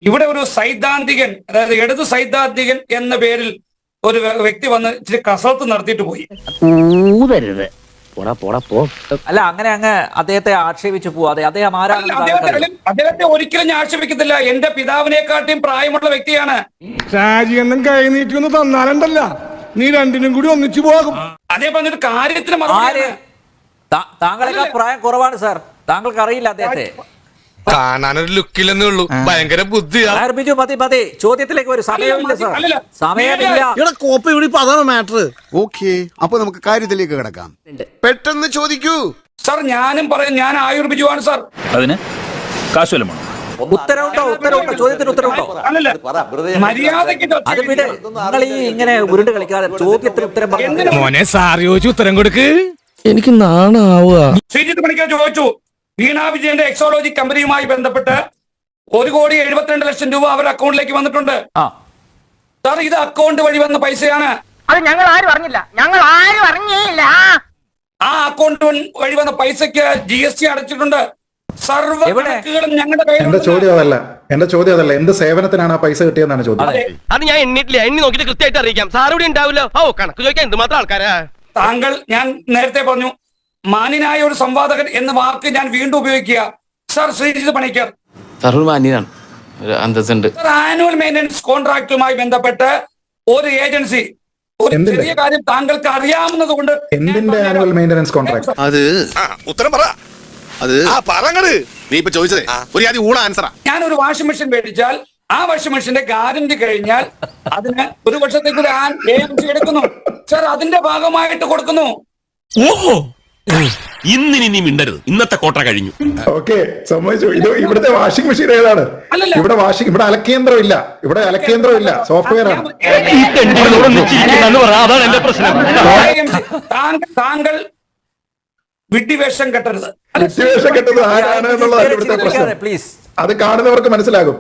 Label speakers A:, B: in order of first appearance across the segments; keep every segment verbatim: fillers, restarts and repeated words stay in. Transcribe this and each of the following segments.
A: ഇവിടെ ഒരു സൈദ്ധാന്തികൻ, അതായത് ഇടതു സൈദ്ധാന്തികൻ എന്ന പേരിൽ ഒരു വ്യക്തി വന്ന് ഇച്ചിരി കസരത്ത് നടത്തിയിട്ട് പോയി.
B: അല്ല, അങ്ങനെ അങ്ങ് അദ്ദേഹത്തെ ആക്ഷേപിച്ചു പോവാതെ അദ്ദേഹം ആരാണ്?
A: അദ്ദേഹത്തെ ഒരിക്കലും ഞാൻ ആക്ഷേപിക്കത്തില്ല. എന്റെ പിതാവിനെക്കാട്ടിയും പ്രായമുള്ള വ്യക്തിയാണ്.
C: ഷാജിയൊന്നും കൈ നീട്ടി ഒന്ന് തന്നാലുണ്ടല്ല, നീ രണ്ടിനും കൂടി ഒന്നിച്ചു പോകും.
A: അതേ പറഞ്ഞൊരു കാര്യത്തിന്
B: താങ്കളെക്കാൾ പ്രായം കുറവാണ് സാർ, താങ്കൾക്ക് അറിയില്ല അദ്ദേഹത്തെ.
D: കാണാനൊരു ലുക്കില്ലെന്നേ ഉള്ളൂ, ഭയങ്കര ബുദ്ധിയാ.
B: ബിജു മതി മതി, ചോദ്യത്തിലേക്ക് ഒരു സമയമില്ല സാർ, സമയമില്ല.
E: അതാണ് മാറ്റർ.
F: ഓക്കെ, അപ്പൊ നമുക്ക് കാര്യത്തിലേക്ക് കിടക്കാം.
D: പെട്ടെന്ന് ചോദിക്കൂ
A: സാർ. ഞാനും പറയും, ഞാൻ ആയുർ ബിജു ആണ് സാർ.
G: അതിന് കാശുവല്ലമാണ്.
B: ഉത്തരവുണ്ടോ? ഉത്തരവുണ്ടോ? ചോദ്യത്തിന് ഉത്തരവുണ്ടോ?
A: മര്യാദയ്ക്ക്
B: അത് വിട്, നിങ്ങൾ ഈ ഇങ്ങനെ ഉരുണ്ട് കളിക്കാതെ ചോദ്യത്തിന് ഉത്തരം പറഞ്ഞു.
C: മോനെ സാർ ചോദിച്ചു ഉത്തരം കൊടുക്ക്. എനിക്ക് നാണാവുക.
A: ശ്രീജിത്ത് പണിക്കർ ചോദിച്ചു, വീണ വിജയന്റെ എക്സോളജി കമ്പനിയുമായി ബന്ധപ്പെട്ട് ഒരു കോടി എഴുപത്തിരണ്ട് ലക്ഷം രൂപ അവരുടെ അക്കൗണ്ടിലേക്ക് വന്നിട്ടുണ്ട്. സാർ, ഇത് അക്കൗണ്ട് വഴി വന്ന പൈസയാണ്.
H: അത് ഞങ്ങൾ ആരും അറിഞ്ഞില്ല, ഞങ്ങൾ ആരും അറിഞ്ഞില്ല.
A: ആ അക്കൗണ്ട് വഴി വന്ന പൈസക്ക് ജി എസ് ടി അടച്ചിട്ടുണ്ട്. സർവ്വ കണക്കുകളും ഞങ്ങളുടെ കയ്യിൽ.
I: എന്റെ ചോദ്യം അതല്ല, എന്റെ ചോദ്യം അതല്ല, എന്ത് സേവനത്തിനാണ് ആ പൈസ കിട്ടിയെന്നാണ് ചോദ്യം.
E: അത് ഞാൻ എണ്ണിട്ടില്ല, എണ്ണി നോക്കിട്ട് കൃത്യമായിട്ട് അറിയിക്കാം. സാർ ഇവിടെ ഉണ്ടാവില്ല. ഓ, കണക്ക് ചോദിക്കാൻ എന്തുമാത്രം ആൾക്കാരാ.
A: താങ്കൾ, ഞാൻ നേരത്തെ പറഞ്ഞു, മാന്യനായ ഒരു സംവാദകൻ എന്ന വാക്ക് ഞാൻ വീണ്ടും ഉപയോഗിക്കുക. Sir Sreejith Panicker annual maintenance കോൺട്രാക്ടുമായി ബന്ധപ്പെട്ട് ഒരു ഏജൻസി ഒരു ചെറിയ കാര്യം താങ്കൾക്ക് അറിയാവുന്നത് കൊണ്ട്
I: എന്തിന്റെ ആനുവൽ മെയിൻ്റനൻസ് കോൺട്രാക്ട്?
D: അത് ഉത്തരം പറ. അത് പറങ്ങട് നീ ഇപ്പൊ ചോദിച്ചത് ഒരു ആദ്യം ഊണ ആൻസറാ.
A: ഞാൻ ഒരു വാഷിംഗ് മെഷീൻ മേടിച്ചാൽ ആ വാഷിംഗ് മെഷീന്റെ ഗ്യാരണ്ടി കഴിഞ്ഞാൽ അതിന് ഒരു വർഷത്തേക്ക് ഒരു എ എം സി എടുക്കുന്നു. സർ, അതിന്റെ ഭാഗമായിട്ട് കൊടുക്കുന്നു.
G: ഓഹോ, ഇന്നിനി നീ മിണ്ടരുത്, ഇന്നത്തെ കോട്ട കഴിഞ്ഞു.
I: ഓക്കെ, സമ്മതിച്ചു. ഇത് ഇവിടുത്തെ വാഷിംഗ് മെഷീൻ ഏതാണ്? ഇവിടെ വാഷിംഗ്, ഇവിടെ അലക്കേന്ദ്രം ഇല്ല, ഇവിടെ അലക്കേന്ദ്രം ഇല്ല, സോഫ്റ്റ്വെയർ ആണ്.
A: താങ്കൾ വിഡ്ഢിവേഷം കെട്ടരുത്.
I: വിഡ്ഢിവേഷം കെട്ടത് ആരാണ് എന്നുള്ളതാണ് ഇവിടുത്തെ പ്രശ്നം. പ്ലീസ്, അത് കാണുന്നവർക്ക് മനസ്സിലാകും.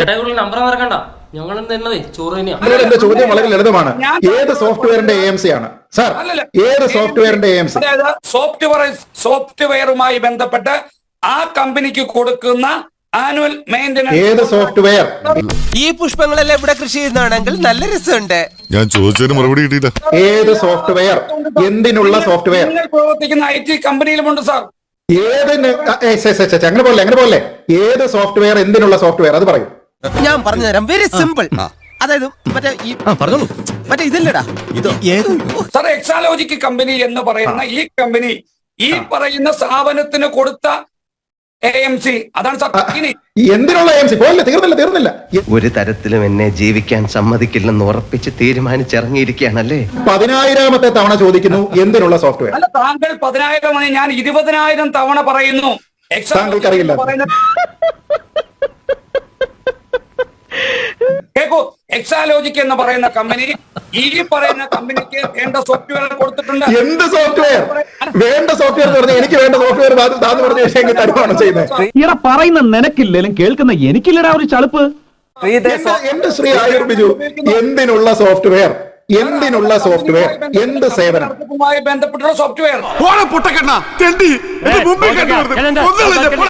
I: എന്റെ ചോദ്യം വളരെ ലളിതമാണ്. ഏത് സോഫ്റ്റ്വെയറിന്റെ എ എം സി ആണ് സാർ? ഏത് സോഫ്റ്റ്വെയറിന്റെ എ എം സി?
A: സോഫ്റ്റ്വെയർ സോഫ്റ്റ്വെയറുമായി ബന്ധപ്പെട്ട് ആ കമ്പനിക്ക് കൊടുക്കുന്ന ആനുവൽ മെയിൻ്റനൻസ്.
I: ഏത് സോഫ്റ്റ്വെയർ?
E: ഈ പുഷ്പങ്ങളെല്ലാം ഇവിടെ കൃഷി ചെയ്യുന്നതാണെങ്കിൽ നല്ല രസമുണ്ട്.
D: ഞാൻ ചോദിച്ചതിന് മറുപടി കിട്ടിയില്ല.
I: ഏത് സോഫ്റ്റ്വെയർ? എന്തിനുള്ള സോഫ്റ്റ്വെയർ?
A: നിങ്ങൾ പ്രവർത്തിക്കുന്ന ഐ ടി കമ്പനിയിലുമുണ്ട് സാർ.
I: ഏതിന്? അങ്ങനെ പോലെ അങ്ങനെ പോലെ ഏത് സോഫ്റ്റ്വെയർ? എന്തിനുള്ള സോഫ്റ്റ്വെയർ? അത് പറയും.
E: ഞാൻ പറഞ്ഞു തരാം, വെരി സിമ്പിൾ. അതായത് മറ്റേ ഈ പറഞ്ഞോളൂ, മറ്റേ ഇതില്ലടാ, ഇത്
A: സാർ, എക്സാലോജിക് കമ്പനി എന്ന് പറയുന്ന ഈ കമ്പനി ഈ പറയുന്ന സ്ഥാപനത്തിന് കൊടുത്ത എ എം സി, അതാണ് സാർ.
I: എന്തിനുള്ള എ എം സി? പോയില്ല, തീർന്നില്ല തീർന്നില്ല
J: ഒരു തരത്തിലും എന്നെ ജീവിക്കാൻ സമ്മതിക്കില്ലെന്ന് ഉറപ്പിച്ച് തീരുമാനിച്ചിറങ്ങിയിരിക്കുകയാണല്ലേ.
I: പതിനായിരമത്തെ തവണ ചോദിക്കുന്നു, എന്തിനുള്ള സോഫ്റ്റ്വെയർ?
A: അല്ല, താങ്കൾ പതിനായിരം, ഞാൻ ഇരുപതിനായിരം തവണ പറയുന്നു.
I: താങ്കൾക്കറിയില്ല.
A: കേക്കൂ, എക്സാലോജിക് എന്ന് പറയുന്ന കമ്പനി ഈ പറയുന്ന കമ്പനിക്ക് വേണ്ട സോഫ്റ്റ്വെയർ കൊടുത്തിട്ടുണ്ട്.
I: എന്ത് സോഫ്റ്റ്വെയർ? വേണ്ട സോഫ്റ്റ്വെയർ എന്ന് പറഞ്ഞാൽ എനിക്ക് വേണ്ട സോഫ്റ്റ്വെയർ താന്ന് പറഞ്ഞ വിഷയം തരുവാണോ ചെയ്യുന്നത്?
G: ഇവിടെ പറയുന്ന നിനക്കില്ലേലും കേൾക്കുന്ന എനിക്കില്ലടാ ഒരു ചളുപ്പ്.
I: എന്റെ ശ്രീ ആയുർ ബിജു, എന്തിനുള്ള സോഫ്റ്റ്വെയർ? എന്തിനുള്ള സോഫ്റ്റ്വെയർ? എന്ത് സേവനം?
A: ബന്ധപ്പെട്ടുള്ള സോഫ്റ്റ്വെയർ.